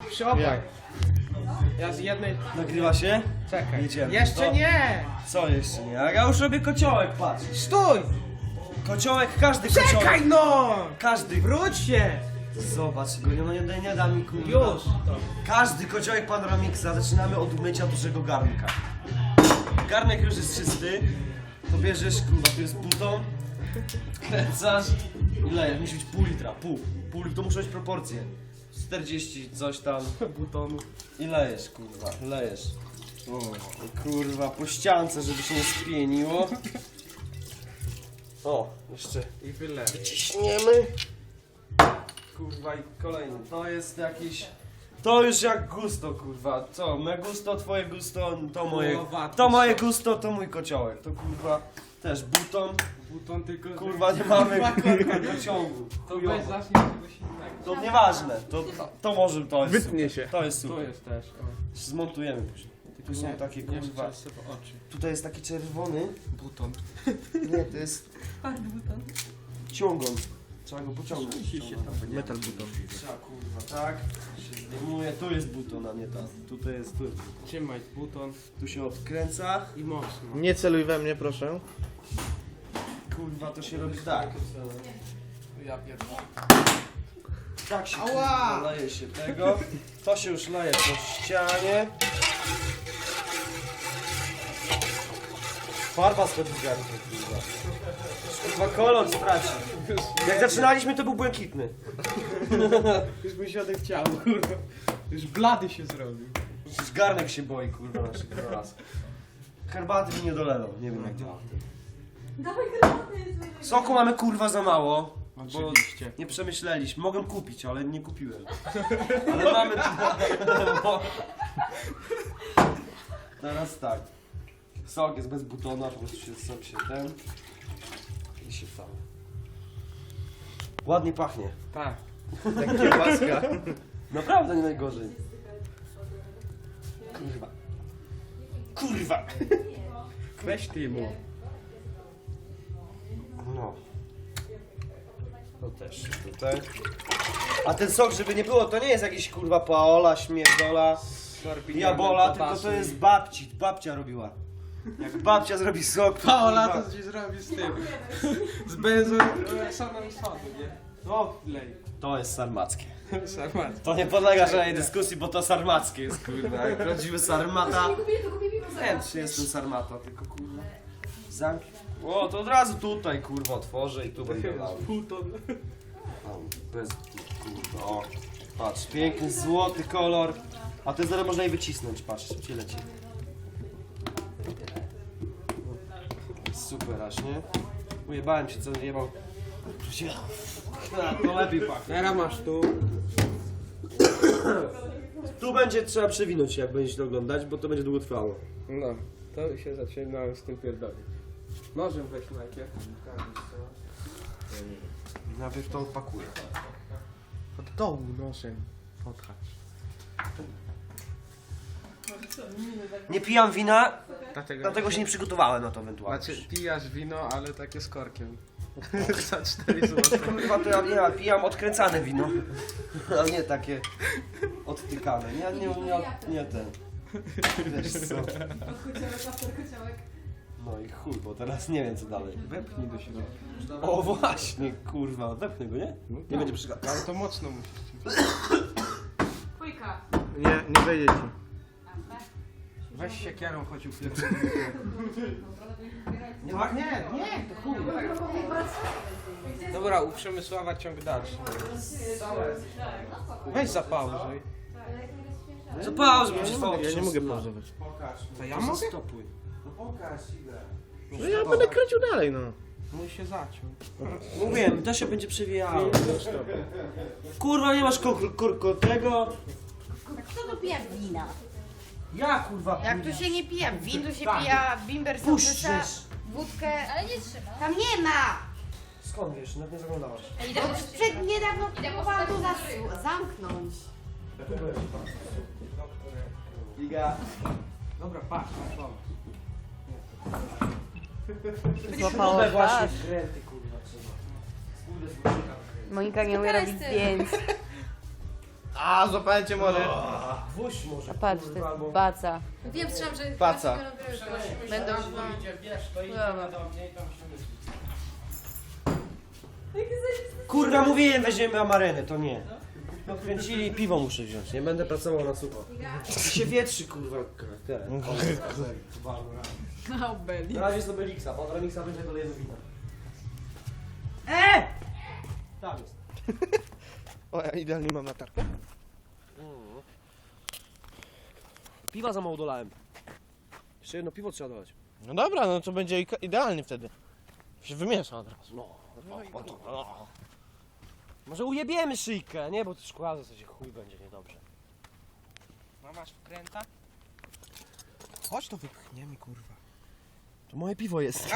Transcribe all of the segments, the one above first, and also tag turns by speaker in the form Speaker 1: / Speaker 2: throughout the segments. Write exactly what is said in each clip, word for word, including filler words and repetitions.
Speaker 1: Przyopaj. Ja z jednej...
Speaker 2: Nagrywa się?
Speaker 1: Czekaj.
Speaker 2: Jedziemy.
Speaker 1: Jeszcze
Speaker 2: To-
Speaker 1: nie!
Speaker 2: Co jeszcze nie? A ja już robię kociołek, patrz.
Speaker 1: Stój!
Speaker 2: Kociołek, każdy kociołek.
Speaker 1: Czekaj no!
Speaker 2: Każdy.
Speaker 1: Wróć się!
Speaker 2: Zobacz, go nie, nie, nie da mi kurwa.
Speaker 1: Już!
Speaker 2: Każdy kociołek Panoramixa zaczynamy od umycia dużego garnka. Garnek już jest czysty. To bierzesz, kurwa, tu jest buton. Kręcasz i lejesz. Musi być pół litra, pół. Pół to muszą być proporcje. czterdzieści coś tam butonu. I lejesz, kurwa, lejesz. O, i kurwa, po ściance, żeby się nie spieniło. O, jeszcze
Speaker 1: I wylej.
Speaker 2: ciśniemy. Kurwa, i kolejny. To jest jakiś... To już jak gusto, kurwa. Co? Me gusto, twoje gusto, to moje...
Speaker 1: Kurwa,
Speaker 2: To moje gusto, to mój kociołek. To kurwa też buton.
Speaker 1: Buton tylko...
Speaker 2: Kurwa, nie mamy
Speaker 1: Kurwa,
Speaker 2: kurwa dociągu.
Speaker 1: To
Speaker 2: Chujowo.
Speaker 1: weź zacznij czegoś innego.
Speaker 2: To nieważne. To, to może to jest
Speaker 1: Wytnie
Speaker 2: super.
Speaker 1: się.
Speaker 2: To jest
Speaker 1: Tu
Speaker 2: super.
Speaker 1: jest też. O.
Speaker 2: Zmontujemy później. Tu są takie kurwa...
Speaker 1: Jeszcze sobie oczy.
Speaker 2: Tutaj jest taki czerwony.
Speaker 1: Buton.
Speaker 2: Nie, to jest ciągon. Trzeba go pociągnąć.
Speaker 1: Metal buton.
Speaker 2: Trzeba kurwa, tak. Się zdejmuje. Tu jest buton, a nie ta. Tutaj jest tu.
Speaker 1: Trzymaj buton
Speaker 2: Tu się odkręca.
Speaker 1: i mocno.
Speaker 3: Nie celuj we mnie, proszę.
Speaker 2: Kurwa, to się robi tak.
Speaker 1: Ja pierdolę.
Speaker 2: Tak się
Speaker 1: Ała!
Speaker 2: kurwa, leje się tego. To się już leje po ścianie. Farba schodzi z garnka, kurwa. Kurwa, kolor straci. Jak zaczynaliśmy, to był błękitny.
Speaker 1: Już mi się odechciało, kurwa. Już blady się zrobił.
Speaker 2: Już garnek się boi, kurwa, naszych raz. Herbaty mi nie dolewam, nie wiem jak działa.
Speaker 4: Dawaj herbatę, jest najlepiej.
Speaker 2: Soku mamy kurwa za mało. Bo
Speaker 1: Oczywiście.
Speaker 2: nie przemyśleliśmy. Mogłem kupić, ale nie kupiłem. Ale mamy tu. Bo... Teraz tak. Sok jest bez butona, po prostu się sok się ten. I się tam. Ładnie pachnie.
Speaker 1: Tak.
Speaker 3: Jak kiełbaska.
Speaker 2: Naprawdę nie najgorzej. Kurwa. Kurwa.
Speaker 1: Weź ty mu.
Speaker 2: No. To też tutaj. A ten sok, żeby nie było, to nie jest jakiś kurwa paola, śmierdola, diabola, tylko to jest babci. Babcia robiła. Jak babcia zrobi sok, to
Speaker 1: Paola
Speaker 2: kurwa-
Speaker 1: to ci zrobi z tym. Z benzą, e, sonem sodu, nie? No, lej.
Speaker 2: To jest sarmackie.
Speaker 1: Sarmat.
Speaker 2: To nie podlega żadnej dyskusji, bo to sarmackie jest kurwa. Jak prawdziwy sarmata.
Speaker 4: Nie kupię, to kupię piwo zaraz.
Speaker 2: Chętnie jestem sarmata, tylko kurwa. Zamk. O, to od razu tutaj kurwa otworzę i tu będę lał.
Speaker 1: Buton.
Speaker 2: Tam, bez kurwa. O, patrz, piękny złoty kolor. A ten zaraz można i wycisnąć, patrz, szybciej leci. Super aż, nie? Ujebałem się, co jebał. To lepiej pachnie.
Speaker 1: Teraz masz tu.
Speaker 2: Tu będzie trzeba przewinąć się, jak będziecie to oglądać, bo to będzie długo trwało.
Speaker 1: No, to się zaczynałem z tym pierdolić. Nożem weź najpierw.
Speaker 2: Najpierw to odpakuję.
Speaker 1: Od dołu nożem podchać.
Speaker 2: Nie pijam wina,
Speaker 1: Dlatego,
Speaker 2: dlatego się nie przygotowałem na to ewentualnie.
Speaker 1: Znaczy, pijasz wino, ale takie z korkiem. Za cztery złote.
Speaker 2: Kurwa, to ja nie ja pijam odkręcane wino, a nie takie odtykane. Nie, nie, nie, nie ten. Wiesz co?
Speaker 4: Kociołek, after kociołek.
Speaker 2: No i chuj, bo teraz nie wiem co dalej.
Speaker 1: Wepnij do środka.
Speaker 2: O właśnie, kurwa, wepnę go, nie? Nie będzie przeszkadzał.
Speaker 1: Ale to mocno musisz.
Speaker 4: Dwójka.
Speaker 3: Nie, nie wejdzie ci.
Speaker 1: Weź się kierą, chodź u
Speaker 2: Nie, nie, nie, to chuj.
Speaker 1: Dobra, u Przemysława ciąg dalszy. Weź zapauzuj.
Speaker 2: Co pauz,
Speaker 3: Ja nie mogę, ja nie mogę pauzować.
Speaker 1: To ja
Speaker 2: To
Speaker 1: mogę?
Speaker 2: zastopuj. No pokaż ile.
Speaker 3: No ja będę kręcił dalej, no.
Speaker 1: Mój się zaciął.
Speaker 2: Mówiłem, to się będzie przewijało. Kurwa, nie masz kur, kur, kur, tego.
Speaker 5: Kto tu pije wina?
Speaker 2: Ja kurwa.
Speaker 5: Jak tu się nie pije win, tu się pija bimber, sołtysa,
Speaker 2: Puszczysz.
Speaker 5: wódkę.
Speaker 4: Ale nie trzyma.
Speaker 5: Tam nie ma!
Speaker 2: Skąd wiesz, nawet nie zaglądałaś.
Speaker 4: Idę po
Speaker 5: Przed niedawno próbowałam to zas- zamknąć.
Speaker 2: Iga.
Speaker 1: Dobra, patrz, masz łom.
Speaker 5: Złapało
Speaker 2: Śrubę właśnie
Speaker 5: twarz.
Speaker 2: wkręty kurwa trzeba. Kurde,
Speaker 5: Monika nie umie
Speaker 4: Teraz
Speaker 5: robić
Speaker 4: ty.
Speaker 5: zdjęć.
Speaker 3: A, złapałem cię może.
Speaker 2: Gwóźdź może.
Speaker 5: Patrz, to
Speaker 2: kurwa, albo-
Speaker 5: jest baca.
Speaker 4: Wiem, słyszałam, że...
Speaker 3: Paca.
Speaker 5: Będą...
Speaker 2: Kurwa, mówiłem, weźmiemy amarenę, to nie. No kręcili i piwo muszę wziąć, nie będę pracował na sucho. I się wietrzy, kurwa. Ten.
Speaker 4: No, Beli.
Speaker 2: Na razie z Obelixa, pan Remixa będzie kolejny wina. E! Tam jest.
Speaker 3: O, ja idealnie mam latarkę.
Speaker 2: Piwa za mało dolałem. Jeszcze jedno piwo trzeba dolać.
Speaker 3: No dobra, no to będzie ika- idealnie wtedy. Się wymiesza od razu.
Speaker 2: No. Może ujebiemy szyjkę, nie? Bo to szkła w zasadzie chuj będzie niedobrze.
Speaker 3: No masz wkręta? Chodź to wypchniemy, kurwa.
Speaker 2: To moje piwo jest.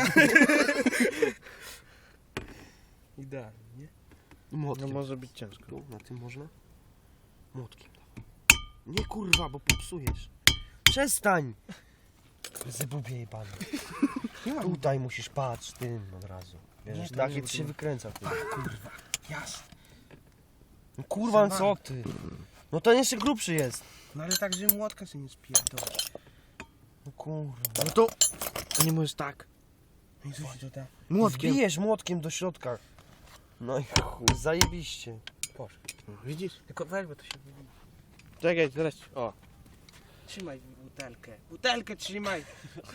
Speaker 3: Idealnie, nie? No
Speaker 2: Młotkiem.
Speaker 3: może być ciężko.
Speaker 2: Tu, na tym można? Młotkiem. Nie kurwa, bo popsujesz. Przestań! Zebubie jebany. Tutaj musisz patrz tym od razu. Bierzesz
Speaker 3: Nie, to
Speaker 2: tak
Speaker 3: nie
Speaker 2: i ty się wykręca. Ty.
Speaker 3: Kurwa, jasne.
Speaker 2: No kurwa, no co ty? No ten jeszcze grubszy jest.
Speaker 3: No ale tak, że młotka sobie nie spierdolę.
Speaker 2: No kurwa.
Speaker 3: No to... Nie możesz tak. No i co się to da? Młotkiem.
Speaker 2: Wbijesz młotkiem do środka. No i chuj, zajebiście.
Speaker 3: Poszedł. No, widzisz? Tylko weź, bo to się wybiło. Czekaj, teraz... O. Trzymaj butelkę. Butelkę trzymaj.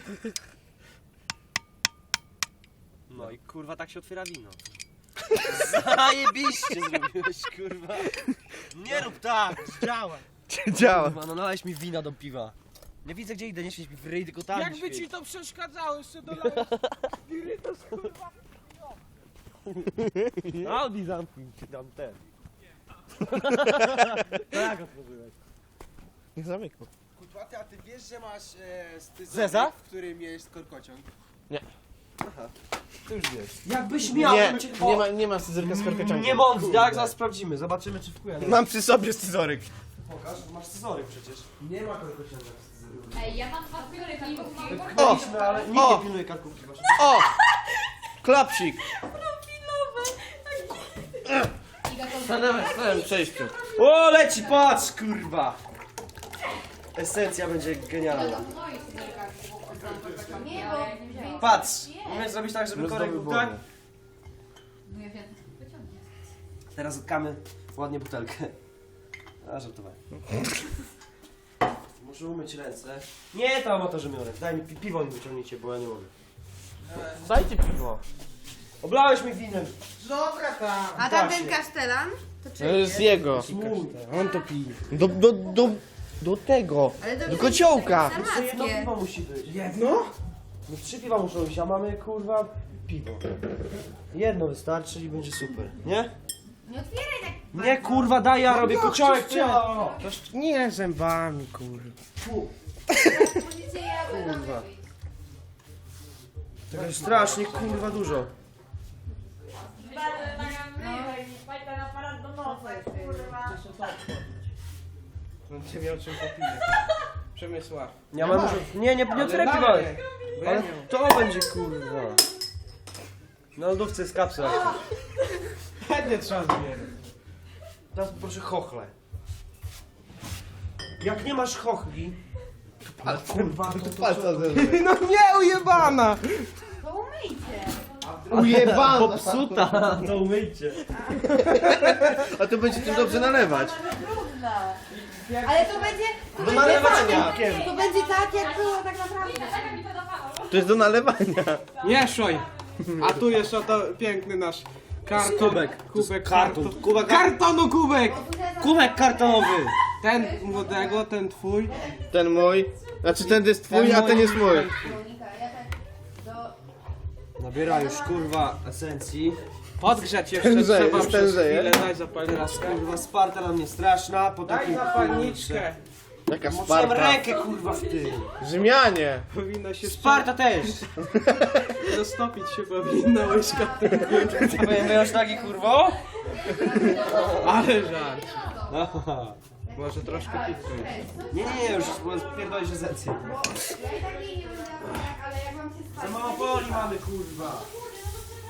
Speaker 2: No i kurwa tak się otwiera wino. Zajebiście zrobiłeś, kurwa. Nie rób tak!
Speaker 3: Działa. Działa.
Speaker 2: Kurwa, no nalałeś mi wina do piwa. Nie widzę gdzie idę, nie świeć mi w ryj, tylko tam
Speaker 3: Jakby
Speaker 2: świeć.
Speaker 3: ci to przeszkadzało, jeszcze dolałeś spirytus, kurwa.
Speaker 2: Audi zamknij ci tam ten. Tak otworzyłeś.
Speaker 3: Nie zamykał.
Speaker 6: Kurwa, ty, a ty wiesz, że masz e, styzoryk,
Speaker 2: Zeza?
Speaker 6: w którym jest korkociąg?
Speaker 2: Ty już wiesz. Jakbyś miał,
Speaker 3: Nie,
Speaker 2: bym cię-
Speaker 3: nie ma, nie ma scyzorka z korkociągiem.
Speaker 2: Nie mądrz, jak zaraz sprawdzimy, zobaczymy czy wpływa.
Speaker 3: Mam przy sobie scyzoryk.
Speaker 2: Pokaż, masz scyzoryk przecież. Nie ma korkociąga w scyzoryku.
Speaker 4: Ej, ja mam dwa pióry karkówki.
Speaker 2: Wypchnęliśmy, ale nikt
Speaker 3: O!
Speaker 2: nie pilnuje karkówki waszej.
Speaker 3: O! Klapsik. Stanąłem w swoim przejściu.
Speaker 2: O, leci, patrz, kurwa! Esencja będzie genialna.
Speaker 5: Nie, bo...
Speaker 2: Patrz! Umiesz zrobić tak, żeby korek był tak?
Speaker 4: No ja wiem, wyciągnie.
Speaker 2: Teraz utkamy ładnie butelkę. A, żartowałem. Muszę umyć ręce. Nie, to amatorzy myją ręce. Daj mi pi piwo mi wyciągnijcie, bo ja nie mogę.
Speaker 3: Dajcie piwo.
Speaker 2: Oblałeś mi winem.
Speaker 6: Dobra tam!
Speaker 5: A tamten kasztelan? To
Speaker 3: To
Speaker 5: czy?
Speaker 3: jest jego.
Speaker 2: Mój.
Speaker 3: On to pije. Do, do, do, do tego.
Speaker 5: Ale to
Speaker 3: Do kociołka.
Speaker 2: Jeszcze jedno
Speaker 5: Samackie.
Speaker 2: piwo musi być.
Speaker 3: Jedno?
Speaker 2: No trzy piwa muszą być, a mamy kurwa piwo. Jedno wystarczy i będzie super. Nie?
Speaker 5: Nie otwieraj tak.
Speaker 2: Nie kurwa, daj ja robię kociołek, czy ja?
Speaker 3: Toż nie zębami, kurwa.
Speaker 5: Możecie ja
Speaker 2: Kurwa. Tego jest strasznie kurwa dużo.
Speaker 3: On cię miał czym popije. Przemysła.
Speaker 2: Nie mam dużo. Nie, nie, nie otwieraj piwa. Ale to będzie kurwa. Na lodówce jest kapsla.
Speaker 3: Chętnie trzeba zbierać.
Speaker 2: Teraz proszę chochle. Jak nie masz chochli,
Speaker 3: Ale
Speaker 2: kurwa, to, to, to,
Speaker 3: palca zerwę. No nie, ujebana!
Speaker 5: To umyjcie.
Speaker 3: Ujebana!
Speaker 2: popsuta, to umyjcie.
Speaker 3: A to będzie tym dobrze nalewać.
Speaker 5: Trudno. Ale to będzie... To
Speaker 3: Do
Speaker 5: będzie
Speaker 3: nalewania.
Speaker 5: tak, to będzie tak, jak było tak naprawdę.
Speaker 3: To jest do nalewania.
Speaker 1: Nie szoj! A tu jest oto piękny nasz karton.
Speaker 2: Kubek.
Speaker 1: Kubek
Speaker 2: Karton.
Speaker 1: karton.
Speaker 2: Kubek,
Speaker 1: Kartonu kubek!
Speaker 2: kubek kartonowy.
Speaker 1: Ten młodego, ten twój.
Speaker 3: Ten mój. Znaczy ten jest twój, a ten jest mój.
Speaker 5: Monika, ja tak do...
Speaker 2: Nabiera już kurwa esencji.
Speaker 1: Podgrzać jeszcze
Speaker 3: Tężeje,
Speaker 1: trzeba
Speaker 3: jest
Speaker 1: przez
Speaker 3: tężeje.
Speaker 1: chwilę. Daj zapalniczkę.
Speaker 2: Teraz kurwa sparta na mnie straszna. Po
Speaker 1: Daj
Speaker 2: takim
Speaker 1: zapalniczkę.
Speaker 3: Jaka
Speaker 2: Musiałem
Speaker 3: Sparta.
Speaker 2: rękę kurwa w tym.
Speaker 3: Rzymianie.
Speaker 1: Powinno się
Speaker 2: Sparta też.
Speaker 1: Roztopić się powinna łyżka.
Speaker 2: Byłem już taki kurwo?
Speaker 1: Ale żart.
Speaker 2: Aha.
Speaker 1: Może troszkę pitką.
Speaker 2: Nie, nie, nie, już pierdolisz esencję.
Speaker 5: Ja i tak jej nie będę robiła, ale jak mam się spać...
Speaker 2: Za mało poli mamy kurwa.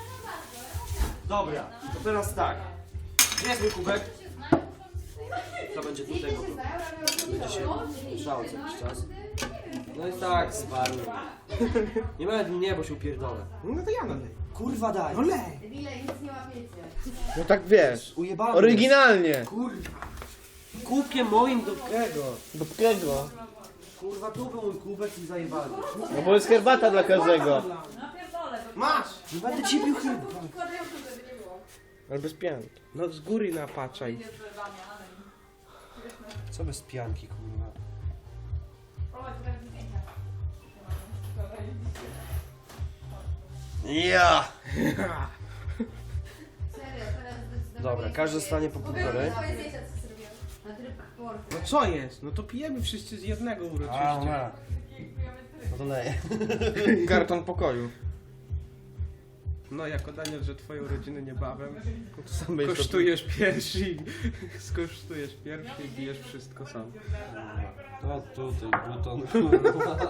Speaker 2: Dobra, to teraz tak. Gdzie jest mój kubek? Rybka będzie do
Speaker 5: Nikt
Speaker 2: tego.
Speaker 5: się znają, ale
Speaker 2: Będzie się grzał co jakiś czas. No i tak, zwarły. Nie nawet mnie, bo się upierdolę.
Speaker 3: No to ja nalej.
Speaker 2: Kurwa daj.
Speaker 3: No lej.
Speaker 5: Debile, nic nie łapiecie.
Speaker 3: No tak wiesz.
Speaker 2: Ujebany
Speaker 3: Oryginalnie.
Speaker 2: jest. Kurwa. Kubkiem moim do tego.
Speaker 3: Do kogo?
Speaker 2: Kurwa, tu był mój kubek i zajebany.
Speaker 3: No bo jest herbata dla każdego.
Speaker 1: Masz!
Speaker 2: Nie będę ci pił chyba.
Speaker 3: Ale bez pianki. No z góry napaczaj.
Speaker 2: Co bez pianki, kurwa. Ja!
Speaker 5: Serio, teraz zdecydowanie...
Speaker 2: Dobra, każdy stanie po półtorej.
Speaker 5: Twoje zdjęcia, co zrobiłem. Na tryb portu.
Speaker 3: No co jest? No to pijemy wszyscy z jednego
Speaker 2: A,
Speaker 3: uroczyście.
Speaker 2: no to leję.
Speaker 3: Karton pokoju. No jako Daniel, że twoje urodziny niebawem. Kosztujesz pierwszy i skosztujesz pierwszy i bijesz wszystko sam.
Speaker 2: To tutaj, buton, kurwa.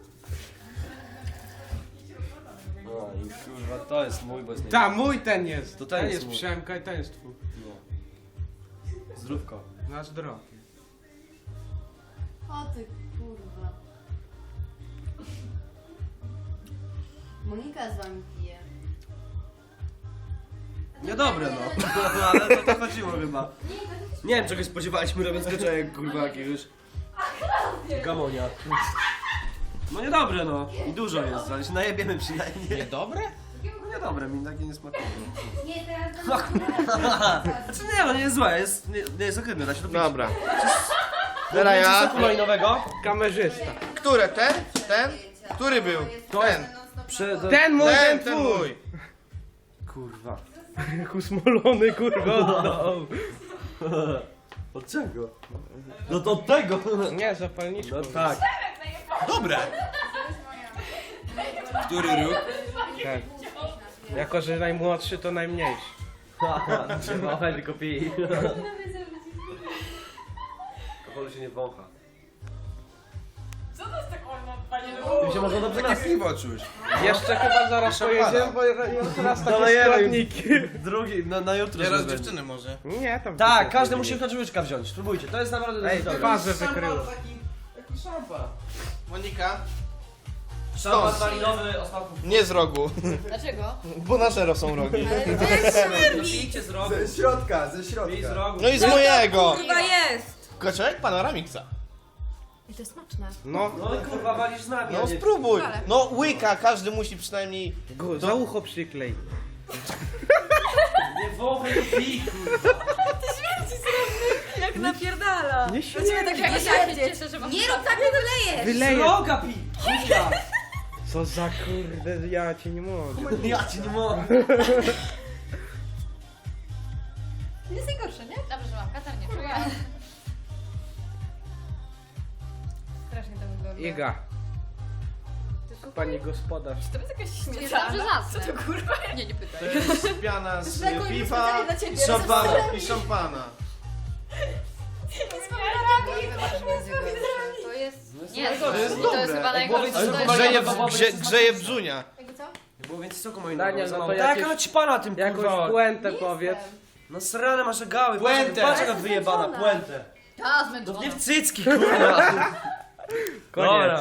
Speaker 2: No i kurwa, to jest mój, bo jest nie...
Speaker 3: Ta, mój ten jest.
Speaker 2: To
Speaker 3: ten,
Speaker 2: ten jest
Speaker 3: jest
Speaker 2: mój.
Speaker 3: Przemka i ten jest twój.
Speaker 2: No. Zdrówko.
Speaker 3: Na zdrowie.
Speaker 5: O ty kurwa. Monika z wami pije.
Speaker 2: Niedobre no. Ale to tak chodziło chyba. Nie wiem czego się spodziewaliśmy robiąc kaczek, kurwa jakiegoś gamonia. No niedobre no. I dużo jest, ale się najebiemy przynajmniej.
Speaker 3: Niedobre?
Speaker 2: No niedobre, mi takie nie smakuje.
Speaker 5: Nie, teraz
Speaker 2: No kurwa. Znaczy nie no, nie jest złe, jest, nie, nie jest ohydne, da się to pić.
Speaker 3: Dobra.
Speaker 2: Teraz
Speaker 3: Teraz ja.
Speaker 2: soku malinowego.
Speaker 3: Kamerzysta.
Speaker 7: Które? Ten? Ten? Który był?
Speaker 2: Ten. Prze
Speaker 3: Ten mój, ten,
Speaker 7: Ten, ten
Speaker 3: twój.
Speaker 7: mój.
Speaker 2: Kurwa.
Speaker 3: Jak usmolony kurwa oddał.
Speaker 2: Od czego? No to od tego.
Speaker 3: Nie, zapalniczką.
Speaker 2: No tak.
Speaker 7: Dobre. Który róg?
Speaker 3: Tak. Jako, że najmłodszy to najmniejszy.
Speaker 2: Trzeba tylko pij. Alkoholu się nie wącha.
Speaker 4: Co to jest tak ono, panie
Speaker 2: Tym się można dobrze
Speaker 7: Takie
Speaker 2: nasyć.
Speaker 7: piwo czuć.
Speaker 3: Jeszcze chyba zaraz pojedziemy, bo teraz takie
Speaker 2: Dolejemy.
Speaker 3: składniki.
Speaker 2: Drugi, na, na jutro.
Speaker 7: Teraz
Speaker 2: żeby-
Speaker 7: dziewczyny może.
Speaker 3: Nie, tam...
Speaker 2: Tak, każdy musi na łyczka wziąć. Spróbujcie, to jest naprawdę
Speaker 3: Ej,
Speaker 2: dobre.
Speaker 3: fazę wykryło.
Speaker 6: Taki, taki szampan.
Speaker 7: Monika?
Speaker 2: Szampan
Speaker 7: Stąd.
Speaker 2: malinowy o smaku.
Speaker 7: Nie z rogu.
Speaker 5: Dlaczego?
Speaker 7: Bo na zero są rogi.
Speaker 2: No pijcie z rogu.
Speaker 6: Ze środka, ze
Speaker 2: Pij z
Speaker 6: środka.
Speaker 2: rogu.
Speaker 7: No i z mojego.
Speaker 4: Chyba jest!
Speaker 7: Koczek Panoramiksa.
Speaker 5: I to jest smaczne.
Speaker 3: No,
Speaker 2: No i kurwa walisz z nami.
Speaker 7: No
Speaker 2: a nie-
Speaker 7: spróbuj. No łyka, każdy musi przynajmniej...
Speaker 3: go, za ucho przyklej.
Speaker 2: Nie wąchaj, to pij, kurwa.
Speaker 4: Jak napierdala!
Speaker 3: Nie
Speaker 4: Właściwie tak
Speaker 3: śmiej.
Speaker 4: jak ja się cieszę, że mam
Speaker 5: Nie rób tak, nie dolejesz!
Speaker 3: Wyleję.
Speaker 2: Roga pij. Kurwa.
Speaker 3: Co za kurde, ja cię nie mogę.
Speaker 2: Ja ci nie mogę.
Speaker 4: Nie jest najgorsze, nie? Dobrze, że mam katar, nie czuję. Strasznie to wygląda.
Speaker 3: Iga. Pani gospodarz.
Speaker 4: To jest jakaś śmieszna. Co to kurwa? Nie, nie pytaj.
Speaker 7: To jest piana z
Speaker 5: Taką
Speaker 7: piwa
Speaker 5: specjalnie dla ciebie,
Speaker 7: i szampana. I szampana.
Speaker 4: To jest...
Speaker 2: Nie,
Speaker 4: Nie,
Speaker 2: to jest
Speaker 4: to
Speaker 7: dobre.
Speaker 4: jest chyba
Speaker 2: Jak było
Speaker 4: najgorsze.
Speaker 2: więcej
Speaker 4: To
Speaker 2: soku
Speaker 4: jest-
Speaker 7: Grzeje,
Speaker 2: malinowego,
Speaker 7: grze, grzeje brzunia.
Speaker 5: Jakby co?
Speaker 2: Nie było więcej soku moim
Speaker 3: Daniel, no to
Speaker 2: Tak,
Speaker 3: jakieś-
Speaker 2: ale ci pana tym
Speaker 3: Jakąś
Speaker 2: kurwa.
Speaker 3: puentę
Speaker 5: Nie
Speaker 3: powiedz.
Speaker 5: jestem.
Speaker 2: No srane masz gały.
Speaker 7: Puentę.
Speaker 2: Patrz jaka wyjebana,
Speaker 5: Zmęczona.
Speaker 2: puentę.
Speaker 4: Ta,
Speaker 2: No
Speaker 4: zmęczona.
Speaker 2: nie w cycki, kurwa.
Speaker 3: Koniec.
Speaker 2: Dobra.